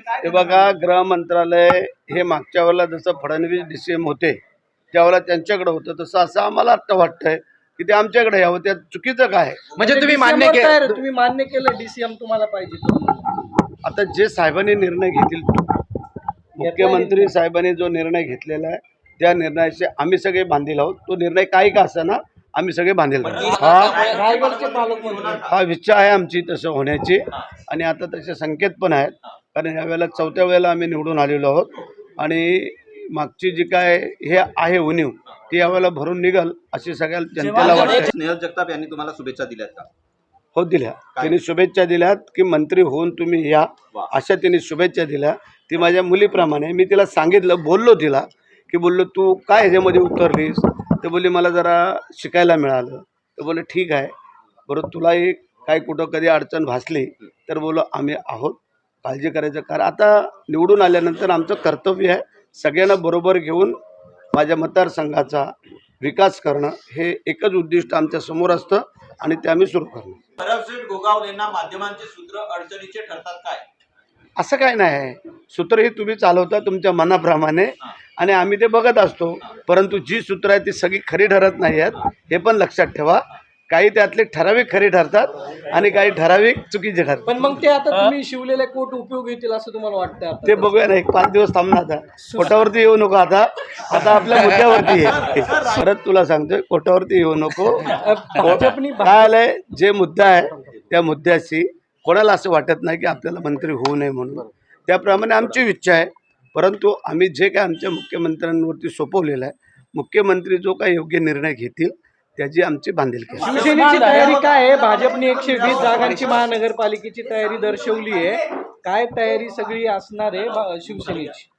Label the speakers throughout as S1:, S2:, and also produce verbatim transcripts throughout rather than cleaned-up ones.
S1: हे बघा, गृह मंत्रालय हे मागच्या वेळेला जसं फडणवीस डी सी एम होते त्यावेळेला त्यांच्याकडे होतं, तसं असं आम्हाला आता वाटतंय की ते आमच्याकडे यावं. त्यात चुकीचं काय?
S2: म्हणजे तुम्ही मान्य केलं तुम्ही मान्य केलं डीसीएम तुम्हाला पाहिजे.
S1: आता जे साहेबांनी निर्णय घेतील, मुख्यमंत्री साहेबांनी जो निर्णय घेतलेला आहे त्या निर्णयाचे आम्ही सगळे बांधील आहोत. तो निर्णय काही का असेना आम्ही सगळे बांधील आहोत. हा हा इच्छा आहे आमची तसं होण्याची, आणि आता तसे संकेत पण आहेत. कारण यावेळेला चौथ्या वेळेला आम्ही निवडून आलेलो आहोत आणि मागची जी काय हे आहे उणीव ती यावेळेला भरून निघल अशी सगळ्या जनतेला वाटते.
S3: स्नेहल जगताप यांनी तुम्हाला शुभेच्छा दिल्यात का?
S1: हो, दिल्या. त्यांनी शुभेच्छा दिल्यात की मंत्री होऊन तुम्ही या, अशा त्यांनी शुभेच्छा दिल्या. ती माझ्या मुलीप्रमाणे. मी तिला सांगितलं, बोललो तिला की बोललो तू काय ह्याच्यामध्ये उतरलीस, तर बोलली मला जरा शिकायला मिळालं. तर बोलले ठीक आहे, बरोबर तुलाही काय कुठं कधी अडचण भासली तर बोलो आम्ही आहोत, काळजी करायचं. कारण आता निवडून आल्यानंतर आमचं कर्तव्य आहे सगळ्यांना बरोबर घेऊन माझ्या मतदारसंघाचा विकास करणं, हे एकच उद्दिष्ट आमच्या समोर असतं आणि ते आम्ही सुरू करणं.
S3: भरमसेठ गोगावलेंना माध्यमांचे सूत्र अडचणीचे ठरतात काय?
S1: असं काय नाही आहे. सूत्र ही तुम्ही चालवता तुमच्या मनाप्रमाणे आणि आम्ही ते बघत असतो. परंतु जी सूत्र आहेत ती सगळी खरी ठरत नाही आहेत, हे पण लक्षात ठेवा. काही त्यातले ठराविक खरी ठरतात आणि काही ठराविक चुकीचे ठरतात.
S2: पण मग ते आता तुम्ही शिवलेले कोट उपयोग येतील असं तुम्हाला वाटतं?
S1: ते बघूया ना, एक पाच दिवस थांबणार. आता कोटावरती येऊ नको. आता आता आपल्या मुद्द्यावरती ये. परत तुला सांगतोय, कोटावरती येऊ नको. काय आलंय, जे मुद्दा आहे त्या मुद्द्याशी कोणाला असं वाटत नाही की आपल्याला मंत्री होऊ नये म्हणून. त्याप्रमाणे आमची इच्छा आहे. परंतु आम्ही जे काय आमच्या मुख्यमंत्र्यांवरती सोपवलेलं आहे, मुख्यमंत्री जो काय योग्य निर्णय घेतील त्याची आमची बांधिलकी.
S2: शिवसेनेची तयारी काय आहे? भाजपने एकशे वीस जागांची महानगरपालिकेची तयारी दर्शवली आहे. काय तयारी सगळी असणार आहे शिवसेनेची?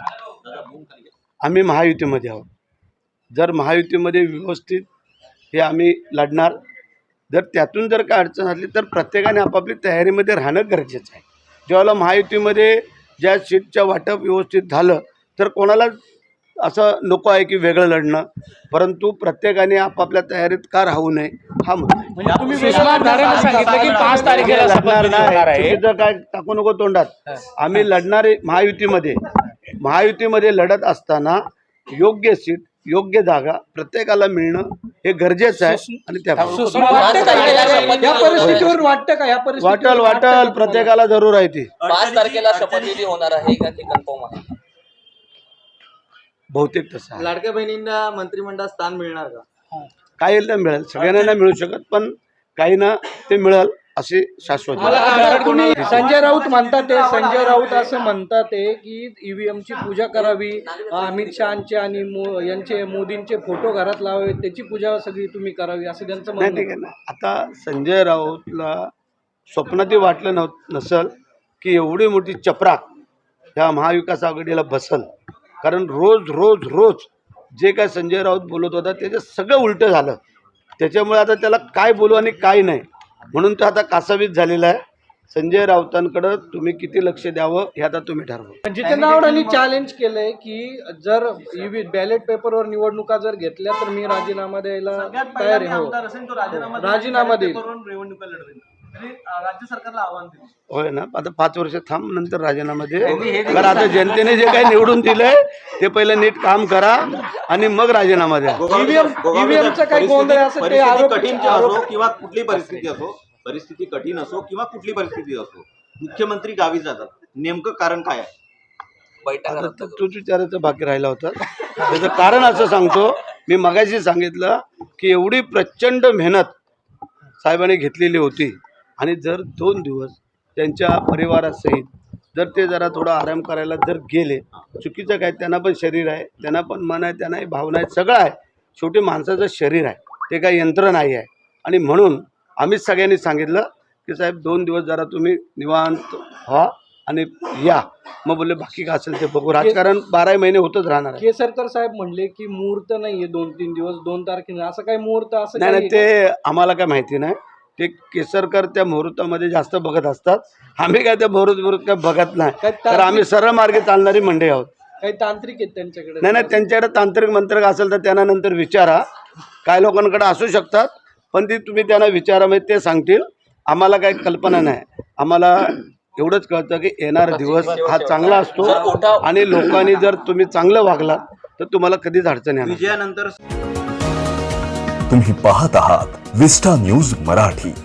S1: आम्ही महायुतीमध्ये आहोत. जर महायुतीमध्ये व्यवस्थित हे आम्ही लढणार. जर त्यातून जर काय अडचण असली तर प्रत्येकाने आपापली तयारीमध्ये राहणं गरजेचं आहे. जेव्हा महायुतीमध्ये ज्या सीटच्या वाटप व्यवस्थित झालं तर कोणाला असं नको आहे की वेगळं लढणं, परंतु प्रत्येकाने आपापल्या तयारीत का राहू नये हा मुद्दा आहे.
S2: म्हणजे तुम्ही सांगितलं की पाच तारखेला
S1: लढणार नाही, चुकीचं काय टाकू नको तोंडात. आम्ही लढणारे महायुतीमध्ये महायुतीमध्ये लढत असताना योग्य सीट योग्य जागा प्रत्येकाला मिळणं हे गरजेचं आहे. आणि त्या
S2: परिस्थितीवर वाटतं का? या परिस्थितीवर
S1: वाटल वाटल प्रत्येकाला जरूर आहे. ती
S4: पाच तारखेला शपथविधी होणार आहे का ते कन्फर्म आहे?
S1: बहुतेक तसं.
S2: लाडक्या बहिणींना मंत्रिमंडळात स्थान मिळणार का?
S1: काही ना मिळेल, सगळ्यांना नाही मिळू शकत, पण काही ना ते मिळेल असे शाश्वत.
S2: संजय राऊत म्हणतात ते संजय राऊत असं म्हणतात ते की ईव्हीएम ची पूजा करावी, अमित शहाचे आणि यांचे मोदींचे फोटो घरात लावावे, त्याची पूजा सगळी तुम्ही करावी असं त्यांचं म्हणणं आहे.
S1: ना आता संजय राऊतला स्वप्नातही वाटलं नव्ह नसल की एवढी मोठी चपराक ह्या महाविकास आघाडीला बसल. कारण रोज रोज रोज जे काय संजय राऊत बोलत होता त्याचं सगळं उलटं झालं. त्याच्यामुळे आता त्याला काय बोलू आणि काय नाही म्हणून तो आता कासावीस झालेला आहे. संजय राऊतांकडे तुम्ही किती लक्ष द्यावं हे आता तुम्ही ठरवा.
S2: जितेंद्र आव्हाडांनी चॅलेंज केलंय की जर बॅलेट पेपरवर निवडणुका जर घेतल्या तर मी राजीनामा द्यायला तयार आहे. राजीनामा देईल. राज्य सरकारला आव्हान दिलं.
S1: होय ना, आता पाच वर्ष थांब, नंतर राजीनामा दे. कारण आता जनतेने जे काही निवडून दिलंय ते पहिलं नीट काम करा आणि मग राजीनामा द्या.
S2: ईव्हीएमचा काही गोंधळ असेल ते आरोप
S3: कठीण असो किंवा कुठली परिस्थिती असो, परिस्थिती कठीण असो किंवा कुठली परिस्थिती असो, मुख्यमंत्री गावी जातात. नेमकं कारण काय आहे?
S1: आता तूच विचारायचं बाकी राहिला होता. त्याचं कारण असं सांगतो, मी मगाशी सांगितलं की एवढी प्रचंड मेहनत साहेबांनी घेतलेली होती आणि जर दोन दिवस त्यांच्या परिवारासहित जर ते जरा थोडा आराम करायला जर गेले, चुकीचं काय, त्यांना पण शरीर आहे, त्यांना पण मन आहे, त्यांनाही भावना आहे, सगळं आहे. शेवटी माणसाचं शरीर आहे, ते काही यंत्र नाही आहे. आणि म्हणून आम्हीच सगळ्यांनी सांगितलं की साहेब दोन दिवस जरा तुम्ही निवांत व्हा आणि या. मग बोलले बाकी काय असेल ते बघू, राजकारण बारा महिने होतच राहणार आहे.
S2: केसरकर साहेब म्हणले की मुहूर्त नाहीये दोन तीन दिवस, दोन तारखेला असं काही मुहूर्त असं
S1: नाही नाही, ते आम्हाला काय माहिती नाही. ते केसरकर त्या मुहूर्तामध्ये जास्त बघत असतात. आम्ही काय त्या मुहूर्त मुहूर्त काय बघत नाही, तर आम्ही सरळ मार्गे चालणारी मंडळी आहोत.
S2: काही तांत्रिक आहेत त्यांच्याकडे?
S1: नाही नाही, त्यांच्याकडे तांत्रिक मंत्रक असेल तर त्यांना नंतर विचारा. काय लोकांकडे असू शकतात, पण ती तुम्ही त्यांना विचारा, म्हणजे ते सांगतील. आम्हाला काही कल्पना नाही. आम्हाला एवढंच कळतं की येणारा दिवस हा चांगला असतो
S4: जर उठाव-
S1: आणि लोकांनी जर तुम्ही चांगलं वागलात तर तुम्हाला कधीच अडचण येणार नाही.
S3: विजयानंतर
S5: तुम्ही पाहत आहात विस्टा न्यूज मराठी.